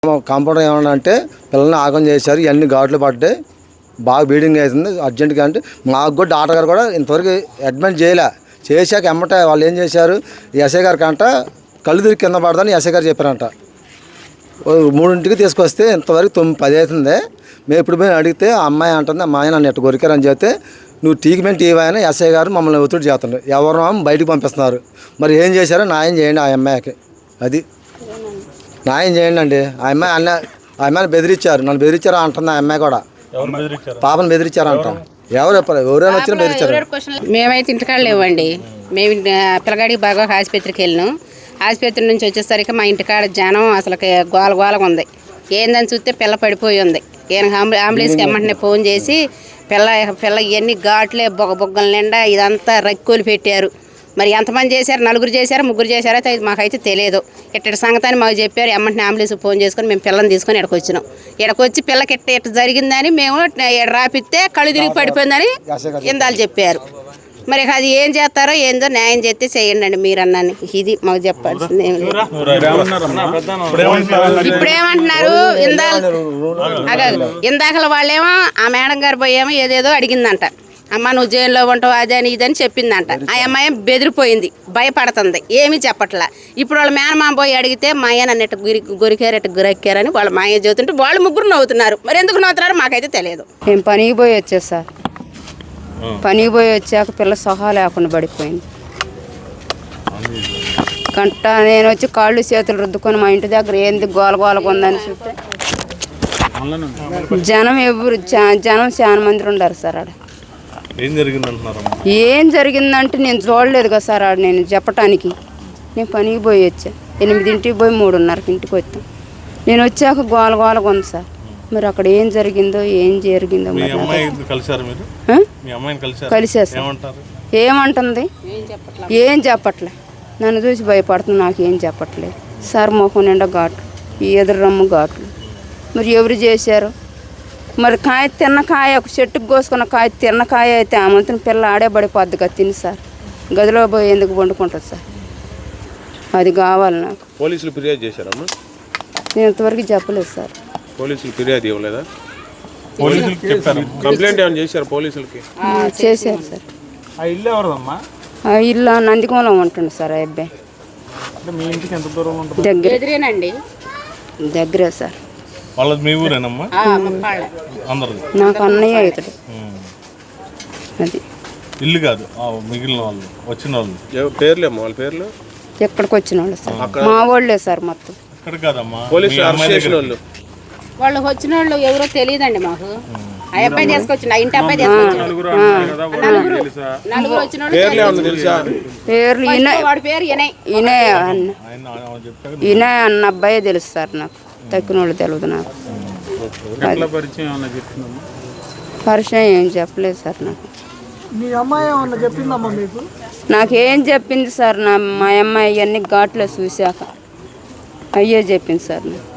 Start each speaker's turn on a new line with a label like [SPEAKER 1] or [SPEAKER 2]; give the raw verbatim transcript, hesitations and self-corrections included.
[SPEAKER 1] Compounder ఏమన్నా అంటే పిల్లల్ని ఆగం చేశారు, ఇవన్నీ ఘాట్లు పడ్డాయి, బాగా బ్లీడింగ్ అవుతుంది అర్జెంటుగా. అంటే మాకు కూడా డాక్టర్ గారు కూడా ఇంతవరకు అడ్మిట్ చేయలే. చేశాక ఎమ్మట వాళ్ళు ఏం చేశారు, ఎస్ఐ గారికి అంట కళ్ళు తిరిగి కింద పడదని ఎస్ఐ గారు చెప్పారంట. మూడింటికి తీసుకొస్తే ఇంతవరకు తొమ్మిది పది అవుతుంది. మేము ఇప్పుడు పోయి అడిగితే అమ్మాయి అంటుంది, అమ్మాయి నన్ను ఎట్టు కొరికారని చెప్తే నువ్వు ట్రీట్మెంట్ ఇవ్వని ఎస్ఐ గారు మమ్మల్ని ఒత్తిడి చేస్తున్నారు. ఎవరు బయటకు పంపిస్తున్నారు. మరి ఏం చేశారో న్యాయం చేయండి ఆ అమ్మాయికి. అది న్యాయం చేయండి అండి. ఆ అమ్మాయి అన్న ఆ అమ్మాయిని బెదిరించారు, నన్ను బెదిరించారు అంటుంది ఆ అమ్మాయి కూడా. పాపను బెదిరించారంట. ఎవరు ఎవరైనా వచ్చినా బెదిరించారు.
[SPEAKER 2] మేమైతే ఇంటికాడ లేవండి. మేము పిల్లగాడికి బాగా ఆసుపత్రికి వెళ్ళినాం. ఆసుపత్రి నుంచి వచ్చేసరికి మా ఇంటికాడ జనం అసలు గోల గోలగా ఉంది. ఏందని చూస్తే పిల్ల పడిపోయి ఉంది. ఈయన అంబులెన్స్కి ఎమ్మంటనే ఫోన్ చేసి పిల్ల పిల్ల ఇవన్నీ ఘాట్లే బొగ్గ బొగ్గల నిండా ఇదంతా రక్కులు పెట్టారు. మరి ఎంతమంది చేశారు, నలుగురు చేశారు ముగ్గురు చేశారో అయితే మాకైతే తెలియదు. ఇట్టటి సంగతి అని మాకు చెప్పారు. ఎమ్మంటనే అంబులెన్స్ ఫోన్ చేసుకొని మేము పిల్లని తీసుకొని ఇక్కడికి వచ్చినాం. ఇక్కడికి వచ్చి పిల్లకి ఇట్ట ఇట్ట జరిగిందని మేము రాపిస్తే కళ్ళు తిరిగి పడిపోయిందని ఇందాలు చెప్పారు. మరి అది ఏం చేస్తారో ఏందో న్యాయం చేస్తే చేయండి అండి మీరు అన్నాను. ఇది మాకు చెప్పాల్సింది ఏం లేదు. ఇప్పుడు ఏమంటున్నారు, ఇందాక ఇందాకల వాళ్ళేమో ఆ మేడం గారు పోయేమో ఏదేదో అడిగిందంట. అమ్మ నువ్వు జైల్లో ఉంటావు అదని ఇదని చెప్పిందంట. ఆ అమ్మాయి బెదిరిపోయింది, భయపడుతుంది, ఏమీ చెప్పట్లా. ఇప్పుడు వాళ్ళ మేనమామ పోయి అడిగితే మా అయ్య నన్ను ఎట్ట గురి గురికారు ఎట్ట గురెక్కారని వాళ్ళ మా అయ్య చదువుతుంటే వాళ్ళు ముగ్గురు నవ్వుతున్నారు. మరి ఎందుకు నవ్వుతున్నారో మాకైతే తెలియదు.
[SPEAKER 3] మేము పనికి పోయి వచ్చా సార్. పనికి పోయి వచ్చాక పిల్ల సహా లేకుండా పడిపోయింది. కంట నేను వచ్చి కాళ్ళు చేతులు రుద్దుకొని మా ఇంటి దగ్గర ఏంది గోల గోలకు ఉందని చూస్తే జనం ఎవరు జనం చాలా మంది ఉన్నారు సార్. ఆడ
[SPEAKER 4] ఏం జరిగిందంటున్నారు?
[SPEAKER 3] ఏం జరిగిందంటే నేను చూడలేదు కదా సార్. ఆడ నేను చెప్పటానికి నేను పనికి పోయి వచ్చా. ఎనిమిదింటికి పోయి మూడున్నరకి ఇంటికి వచ్చాను. నేను వచ్చాక గోల గోలకు ఉంది సార్. మరి అక్కడ ఏం జరిగిందో ఏం జరిగిందో కలిసా సార్. ఏమంటుంది ఏం చెప్పట్లే. నన్ను చూసి భయపడుతుంది, నాకు ఏం చెప్పట్లేదు సార్. మొహం నిండా ఘాటు, ఈ ఎదురు రమ్ము ఘాట్లు. మరి ఎవరు చేశారు? మరి కాయ తిన్న కాయ ఒక చెట్టుకు కోసుకున్న కాయ తిన్న కాయ అయితే ఆ మంతుని పిల్ల ఆడే పడిపోద్ది కదా తిని సార్. గదిలో పోయి ఎందుకు వండుకుంటుంది సార్? అది కావాలి నాకు.
[SPEAKER 4] పోలీసులు ఫిర్యాదు చేశారమ్మా?
[SPEAKER 3] నేను ఇంతవరకు చెప్పలేదు సార్.
[SPEAKER 4] పోలీసులు ఫిర్యాదు ఇవ్వలేదా? కంప్లైంట్ ఏమైనా చేశారు పోలీసులకి?
[SPEAKER 3] చేశారు సార్.
[SPEAKER 5] ఆ ఇల్లు ఎవరిదమ్మా?
[SPEAKER 3] ఆ ఇల్లు నందికోమలో ఉంటుంది సార్. ఆ అబ్బాయి
[SPEAKER 5] మీ ఇంటికి ఎంత దూరం ఉంటుంది?
[SPEAKER 3] దగ్గర
[SPEAKER 2] ఎదురేనండి,
[SPEAKER 3] దగ్గరే సార్.
[SPEAKER 4] వాళ్ళది మీ ఊరేనమ్మా?
[SPEAKER 3] నాకు అన్నయ్య ఇతడు. అది
[SPEAKER 4] ఇల్లు కాదు, మిగిలిన వాళ్ళు వచ్చిన వాళ్ళు
[SPEAKER 1] పేర్లే వాళ్ళ పేర్లు
[SPEAKER 3] ఎక్కడికి వచ్చిన వాళ్ళు సార్. మా వాళ్ళే సార్ మొత్తం.
[SPEAKER 4] ఇక్కడ కాదమ్మా,
[SPEAKER 2] వాళ్ళు వచ్చిన వాళ్ళు ఎవరో తెలియదండి మాకు. ఆ అబ్బాయి తీసుకొచ్చిన ఇంటి అబ్బాయి తీసుకొచ్చిన నలుగురు వచ్చిన
[SPEAKER 3] పేర్లు
[SPEAKER 2] వాడి పేరు ఇనయ్
[SPEAKER 3] ఇనయ్ అన్న ఇనయ్ అన్న అబ్బాయే తెలుసు సార్. నాకు తక్కిన వాళ్ళు తెలియదు నాకు. పరిచయం ఏం చెప్పలేదు సార్ నాకు.
[SPEAKER 5] మీ అమ్మాయి ఏమన్నా చెప్పిందమ్మా మీకు?
[SPEAKER 3] నాకేం చెప్పింది సార్, నా మా అమ్మాయి అన్ని ఘాట్లో చూశాక అయ్యే చెప్పింది సార్ నాకు.